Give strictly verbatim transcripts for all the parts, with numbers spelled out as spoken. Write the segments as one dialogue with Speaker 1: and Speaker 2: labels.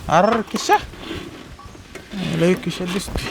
Speaker 1: अरे किशा लय किशा दिसते.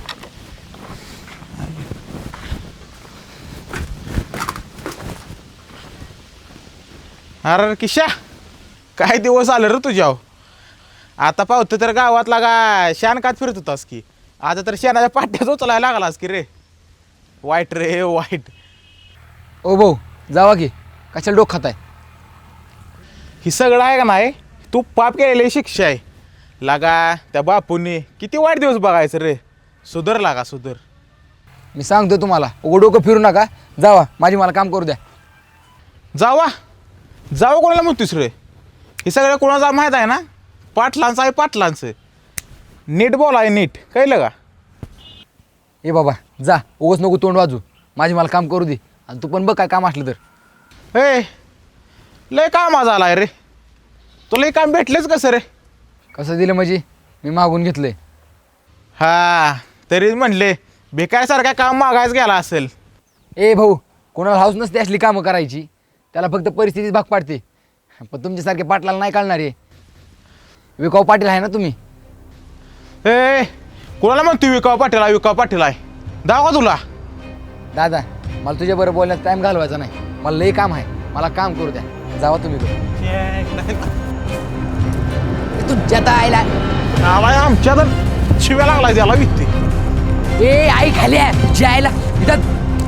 Speaker 1: अरे किशा काय दिवस आलं रे तुझ्याव. आता पाहतो तर गावातला का शानकात फिरत होतास की आता तर शेणाच्या पाट्याच उचलायला लागलास की रे. वाईट रे वाईट.
Speaker 2: ओ भाऊ जावा की कशाला डोक खाताय.
Speaker 1: ही सगळं आहे का नाही तू पाप केलेली शिक्षा आहे लागा. त्या बापूंनी किती वाईट दिवस बघायचं रे. सुधर लागा सुधर.
Speaker 2: मी सांगतो तुम्हाला उघड डोकं फिरू नका. जावा माझी मला काम करू द्या.
Speaker 1: जावा जावं कोणाला म्हणतोस रे. हे सगळं कोणाचा माहीत आहे ना. पाटलांचं आहे पाटलांचं. नीट बोलाय नीट कळलं का.
Speaker 2: ए बाबा जा उगाच नको तोंड वाजू. माझी मला काम करू दे आणि तू पण बघ काय काम असलं तर.
Speaker 1: ए लय काम झालाय रे. तुला हे काम भेटलेच कसं रे.
Speaker 2: कसं दिलं म्हणजे मी मागून घेतलंय.
Speaker 1: हा तरी म्हणले बेकारसारखा काम मागायच गेला असेल.
Speaker 2: ए भाऊ कोणाला हाऊस नसते असली कामं करायची. त्याला फक्त परिस्थितीच भाग पाडते. पण तुमच्यासारखे पाटलाला नाही कळणार आहे. विकाऊ पाटील आहे ना तुम्ही.
Speaker 1: ए कोणाला म्हणतो विकाव पाटील आहे विकाव पाटील आहे. दावा तुला.
Speaker 2: दादा मला तुझ्या बरोबर बोलण्यात टाईम घालवायचा नाही. मला लई काम आहे. मला काम करू द्या. जावा तुम्ही तुझ्या आईला
Speaker 1: आमच्या तर शिव्या लागलाय त्याला विकते.
Speaker 2: ए आई खाली आहे तुझ्या आईला इथं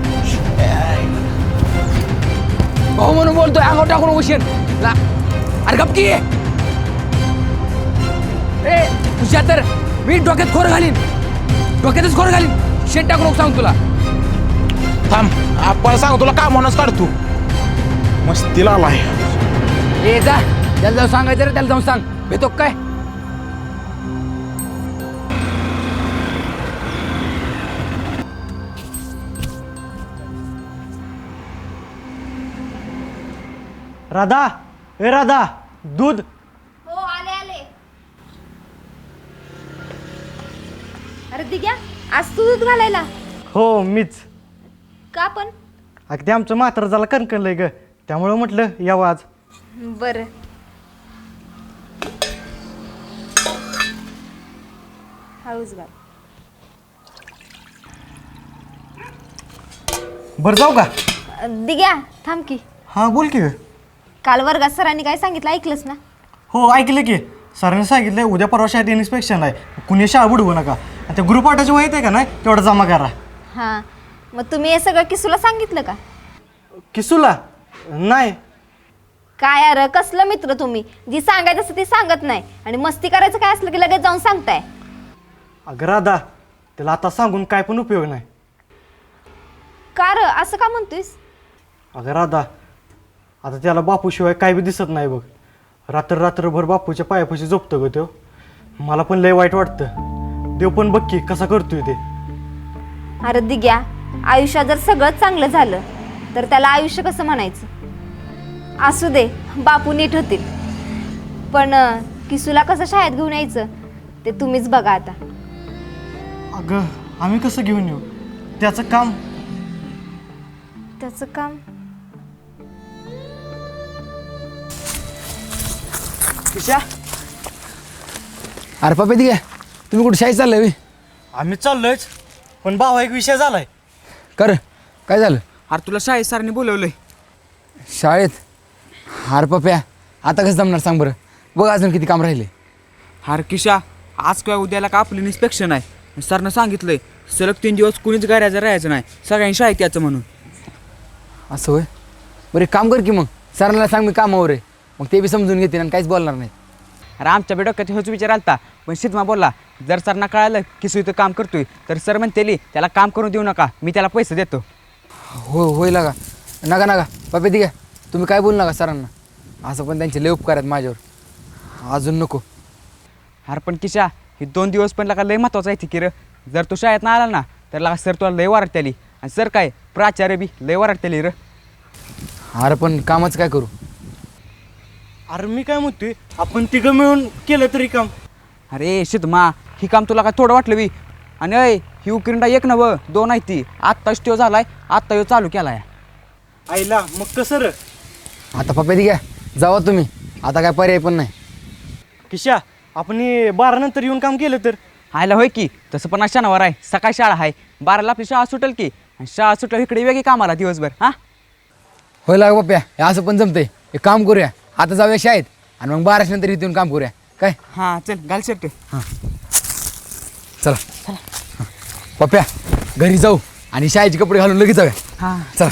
Speaker 2: भाऊ म्हणून बोलतोय अंगावर टाकून उशीर ला. अरे गप की ए तुझ्या तर मी डोक्यात खोर घालीन. डोक्यातच खोर घालीन. शेट टाकून नको सांग तुला.
Speaker 1: थांब आपण सांग तुला कामानच काढतो. मस्तीला आलाय.
Speaker 2: ए जा त्याला जाऊन सांगायचं रे. त्याला जाऊन सांग भेटतो काय.
Speaker 3: राधा ए राधा दूध.
Speaker 4: हो आले आले. अरे दिग्या आज तू दूध घालायला.
Speaker 3: हो मीच.
Speaker 4: का पण.
Speaker 3: अगदी आमचं म्हातारं झाला कणकणलंय ग त्यामुळं म्हटलं यावं आज.
Speaker 4: बरं हळूच घाल.
Speaker 3: बरं जाऊ का.
Speaker 4: दिग्या थांब की.
Speaker 3: हां बोल की.
Speaker 4: काल वर्गात सरांनी काय सांगितलं ऐकलंस ना.
Speaker 3: हो ऐकलं की. सरांनी सांगितलं उद्या परवा शाळेत इन्स्पेक्शन आहे. कुणी शाळा बुडवू नका. आणि त्या ग्रुप आटाची माहीत आहे का नाही तेवढं जमा करा.
Speaker 4: हां मग तुम्ही हे सगळं किसूला सांगितलं का.
Speaker 3: किसूला नाही.
Speaker 4: काय अरे कसलं मित्र तुम्ही. जी सांगायचं असतं ती सांगत नाही आणि मस्ती करायचं काय असलं की लगेच जाऊन सांगताय.
Speaker 3: अगं राधा त्याला आता सांगून काय पण उपयोग नाही.
Speaker 4: का र असं का म्हणतोयस.
Speaker 3: अगं राधा आता त्याला बापूशिवाय काय बी दिसत नाही बघ. रात्र रात्रभर बापूच्या पायापाशी झोपतो ग तो. मला पण लय वाईट वाटतं. देव पण बघ की कसा करतोय ते.
Speaker 4: अरे दिग्या आयुष्यात जर सगळंच चांगलं झालं तर त्याला आयुष्य कसं म्हणायचं. असू दे बापू नीट होतील. पण किसूला कसं शाळेत घेऊन यायचं ते तुम्हीच बघा आता.
Speaker 3: अगं आम्ही कसं घेऊन येऊ. त्याचं काम.
Speaker 4: त्याचं काम.
Speaker 2: किशा अरे पप्पा ती काय तुम्ही कुठे शाळेत चाललंय बे?
Speaker 3: आम्ही चाललोयच पण भावा एक विषय झालाय.
Speaker 2: कर काय झालं.
Speaker 5: अरे तुला शाळेत सरांनी बोलवलंय.
Speaker 2: शाळेत. अरे पप्प्या आता कसं जमणार सांग बरं. बघ अजून किती काम राहिले.
Speaker 5: अरे किशा आज किंवा उद्याला का आपलं इन्स्पेक्शन आहे. सरनं सांगितलंय सलग तीन दिवस कुणीच गाड्याचं राहायचं नाही. सगळ्यांनी शाळेत यायचं म्हणून.
Speaker 2: असं होय. बरं एक काम कर की मग सरांना सांग मी कामावर आहे. मग ते बी समजून घेतील आणि काहीच बोलणार नाही.
Speaker 5: अरे आमच्या बी डोक्यात हेच विचार आलता पण शिदमा बोलला जर सरना कळालं की सु इथं काम करतोय तर सर म्हणतेली त्याला काम करून देऊ नका मी त्याला पैसे देतो.
Speaker 2: हो होईल का नका नका पप्पा ती काय तुम्ही काय बोलू नका सरांना. असं पण त्यांचे लय उपकार आहेत माझ्यावर. अजून नको.
Speaker 5: अरे पण किशा हे दोन दिवस पण लका लय महत्वाचं आहे की र. जर तू शाळेत ना आला ना तर लका सर तुला लय वारटली आणि सर काय प्राचार्य बी लय वारटली र.
Speaker 2: अरे पण कामच काय करू.
Speaker 3: अरे मी काय म्हणतोय आपण तिघं मिळून केलं तरी काम.
Speaker 5: अरे शिदमा ही काम तुला काय थोडं वाटलं बी. आणि अय ही उकिरंडा एक नवं दोन आहे ती. आत्ताच तो झालाय आत्ता यो चालू केलाय.
Speaker 3: आईला मग कसं र.
Speaker 2: आता पप्पा ती काय जावा तुम्ही. आता काय पर्याय पण नाही.
Speaker 3: किशा आपण हे बारा नंतर येऊन काम केलं तर?
Speaker 5: आयला होय की, तसं पण आज शनिवार आहे, सकाळी शाळा आहे, बाराला आपली शाळा सुटेल की, आणि शाळा सुटल्यावर इकडे वेगळी कामाला दिवसभर. हां
Speaker 2: होय लाग बाप्या, हे असं पण जमतंय. एक काम करूया, आता जाऊया शाळेत आणि मग बाराच नंतर इथून काम करूया काय.
Speaker 5: हां चल घाल शर्ट.
Speaker 2: चला चला पप्प्या, घरी जाऊ आणि शाळेचे कपडे घालून लगेच जाऊया.
Speaker 5: हां
Speaker 2: चला.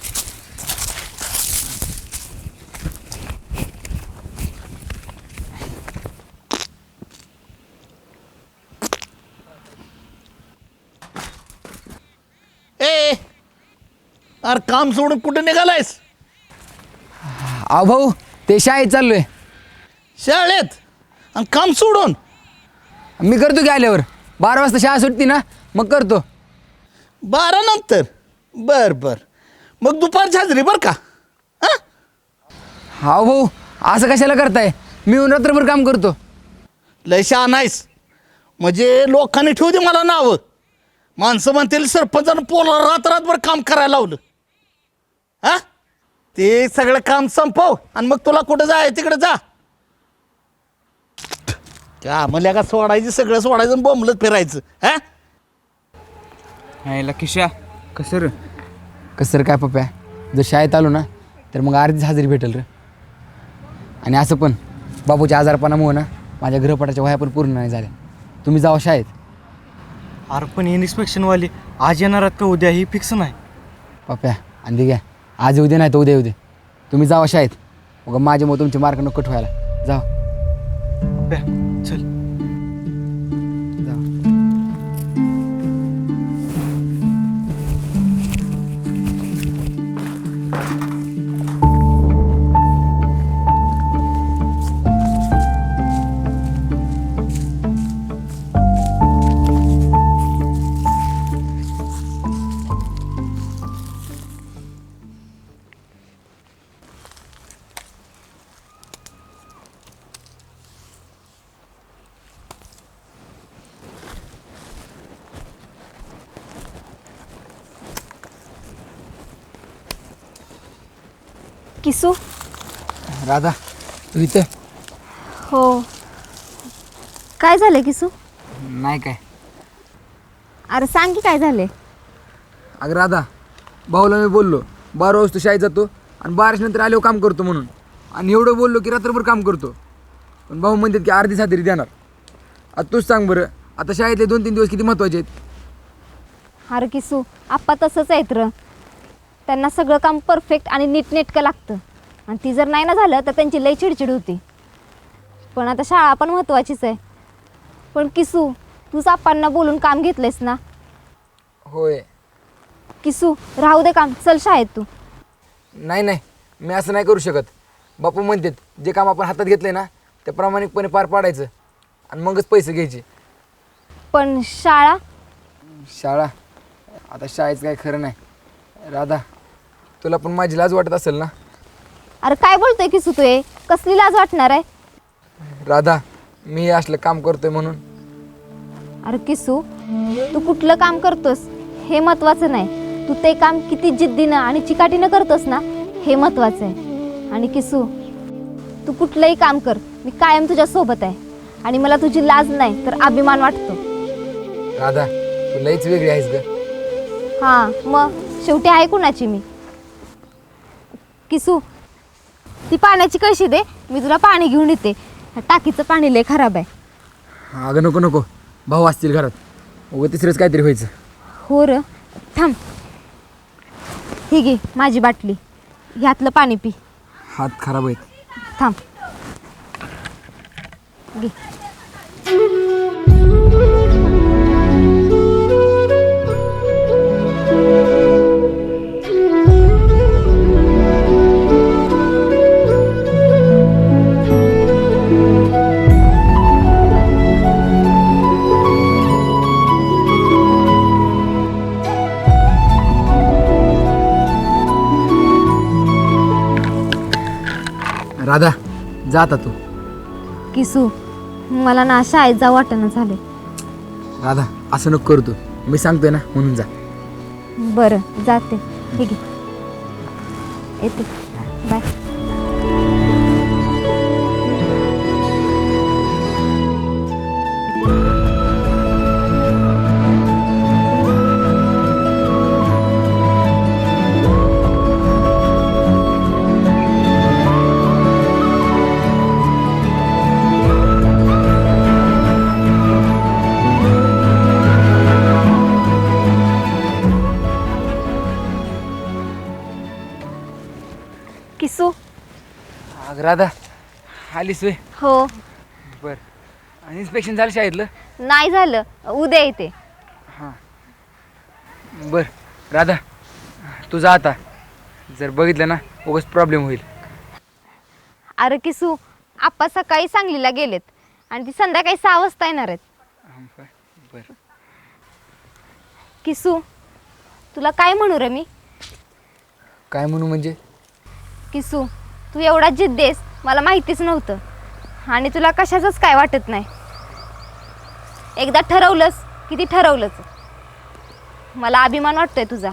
Speaker 6: ए अरे काम सोडून कुठे निघालायस?
Speaker 2: अहो भाऊ, ते शाळेत चाललोय.
Speaker 6: शाळेत? आणि काम सोडून?
Speaker 2: मी करतो की आल्यावर. बारा वाजता शाळा सुटती ना, मग करतो.
Speaker 6: बारा नंतर? बर बर, मग दुपारची हजरी बर का? हां
Speaker 2: हा भाऊ, असं कशाला करताय? मी येऊन रात्रभर काम करतो.
Speaker 6: लय शहाणा आहेस. म्हणजे लोकांनी ठेवू दे मला नावं. माणसं म्हणतील सरपंचानं पोला रात रातभर काम करायला लावलं. हा ते सगळं काम संपव आणि मग तुला कुठं जाय तिकडे जा. त्या म्हणल्या का सोडायचं, सगळं सोडायचं आणि बोंबलत फिरायचं. हा
Speaker 5: यायला किशा कसं रे?
Speaker 2: कसं रे काय पप्प्या, जर शाळेत आलो ना तर मग अर्धीच हजेरी भेटेल रे. आणि असं पण बाबूच्या आजारपणामुळे ना माझ्या गृहपाठाच्या वह्या पण पूर्ण नाही झाल्या. तुम्ही जावा शाळेत.
Speaker 3: अरे पण इन्स्पेक्शनवाले आज येणार आहेत का उद्या ही फिक्स नाही.
Speaker 2: पप्प्या आणि ते घ्या, आज येऊ दे नाही तर उद्या येऊ दे. तुम्ही जावा शाळेत, मग माझ्या मग तुमचे मार्क नको कट व्हायला. जावा
Speaker 3: पप्प्या चल.
Speaker 2: जावा.
Speaker 4: किसू.
Speaker 2: राधा, तू इथं?
Speaker 4: हो. काय झालं किसू?
Speaker 2: नाही काय.
Speaker 4: अरे सांग की काय झाले.
Speaker 2: अगं राधा, भाऊला मी बोललो बारा वाजता शाळेत जातो आणि बाराच नंतर आल्यावर काम करतो म्हणून. आणि एवढं बोललो की रात्रभर काम करतो. पण भाऊ म्हणतात की अर्धी सातरी देणार. आता तूच सांग बरं, आता शाळेतले दोन तीन दिवस किती महत्त्वाचे आहेत.
Speaker 4: अरे किसू, आप्पा तसंच आहेत र. त्यांना सगळं काम परफेक्ट आणि नीटनेटकं लागतं, आणि ती जर नाही ना झालं तर त्यांची लई चिडचिड होती. पण आता शाळा पण महत्त्वाचीच आहे. पण किसू, तूच आप्पांना बोलून काम घेतलंयस ना.
Speaker 2: होय.
Speaker 4: किसू राहू दे काम, चल शाळेत तू.
Speaker 2: नाही नाही, मी असं नाही करू शकत. बापू म्हणतात जे काम आपण हातात घेतले ना ते प्रामाणिकपणे पार पाडायचं आणि मगच पैसे घ्यायचे.
Speaker 4: पण शाळा?
Speaker 2: शाळा? आता शाळेचं काय खरं नाही. राधा, तुला पण माझी लाज वाटत असेल ना.
Speaker 4: अरे काय बोलतोय किसू तू? हे कसली लाज वाटणार आहे?
Speaker 2: राधा, मी हे असलं काम करतोय म्हणून.
Speaker 4: अरे किसू, तू कुठलं काम करतोस हे महत्त्वाचं नाही, तू ते काम किती जिद्दीनं आणि चिकाटीनं करतोस ना हे महत्त्वाचं आहे. आणि किसू, तू कुठलंही काम कर, मी कायम तुझ्या सोबत आहे. आणि मला तुझी लाज नाही तर अभिमान वाटतो.
Speaker 2: राधा, तू लईच वेगळी आहेस ग.
Speaker 4: हां मग शेवटी आहे कुणाची मी. किसू, ती पाण्याची कळशी दे, मी तुला पाणी घेऊन येते. टाकीचं पाणी लय खराब आहे.
Speaker 2: अगं नको नको, भाऊ असतील घरात, उगं तिसरंच काहीतरी व्हायचं.
Speaker 4: हो र, थांब. ही घे माझी बाटली, ह्यातलं पाणी पी.
Speaker 2: हात खराब आहेत.
Speaker 4: थांब घे.
Speaker 2: राधा, जा आता तू.
Speaker 4: किसू, मला ना शाळेत जाऊ वाटेना झाले.
Speaker 2: राधा, असं नको करू तू. मी सांगतोय ना म्हणून जा.
Speaker 4: बरं जाते. ठीक आहे, येते. बाय.
Speaker 2: राधा आलीस वे
Speaker 4: हो.
Speaker 2: बर आणि इन्स्पेक्शन झालं शाळेतलं
Speaker 4: नाही झालं, उद्या येते.
Speaker 2: बर राधा तुझा आता जर बघितलं ना उगाच प्रॉब्लेम होईल.
Speaker 4: अरे किसू, आप्पा सकाळी सांगलीला गेलेत आणि ती संध्याकाळी सहा वाजता येणार आहेत.
Speaker 2: बर
Speaker 4: किसू, तुला काय म्हणू रे मी?
Speaker 2: काय म्हणू म्हणजे?
Speaker 4: किसू, तू एवढा जिद्दी आहेस मला माहितीच नव्हतं आणि तुला कशाचंच काय वाटत नाही. एकदा ठरवलंस की ती ठरवलंच. मला अभिमान वाटतोय तुझा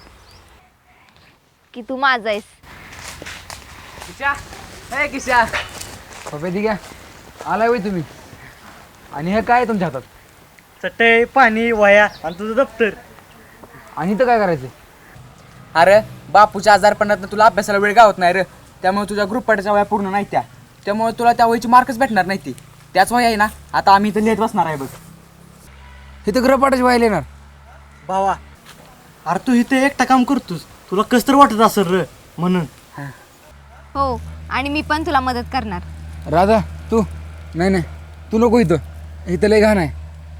Speaker 4: की तू माझा आहेस.
Speaker 5: किशा हे किशा
Speaker 2: पप्पा दी घ्या आलाय वय तुम्ही आणि हे काय आहे तुमच्या हातात?
Speaker 3: चटई पाणी वया आणि तुझं दप्तर.
Speaker 2: आणि इथं काय करायचं?
Speaker 5: अरे बापूच्या आजारपणात तुला अभ्यासाला वेळ गावत नाही रे, त्यामुळे तुझ्या ग्रुप पाठच्या वया पूर्ण नाही त्या, त्यामुळे तुला त्या वहीची मार्कच भेटणार नाही ती. त्याच वय आहे ना आता आम्ही इथं लिहित बसणार आहे बघ.
Speaker 2: इथं गृहपाठाची व्हायला येणार.
Speaker 3: भावा अरे तू इथे एकटा काम करतोस, तुला कस तर वाटत असेल र म्हणून.
Speaker 4: हो, आणि मी पण तुला मदत करणार.
Speaker 2: राधा तू नाही नाही तू नको इथं, इथं लय घाण आहे.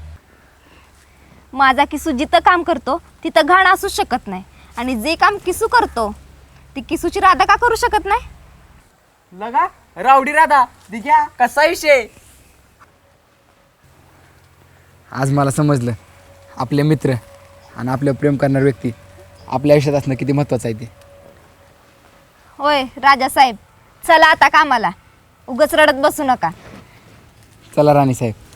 Speaker 4: माझा किसू जिथं काम करतो तिथं घाण असूच शकत नाही, आणि जे काम किसू करतो ती किसूची राधा का करू शकत नाही?
Speaker 5: लगा रावडी राधा दिघ्या कसा विषय.
Speaker 2: आज मला समजलं आपले मित्र आणि आपलं प्रेम करणारी व्यक्ती आपल्या आयुष्यात असणं किती महत्त्वाचं आहे ते.
Speaker 4: होय राजासाहेब, चला आता कामाला, उगाच रडत बसू नका.
Speaker 2: चला राणी साहेब.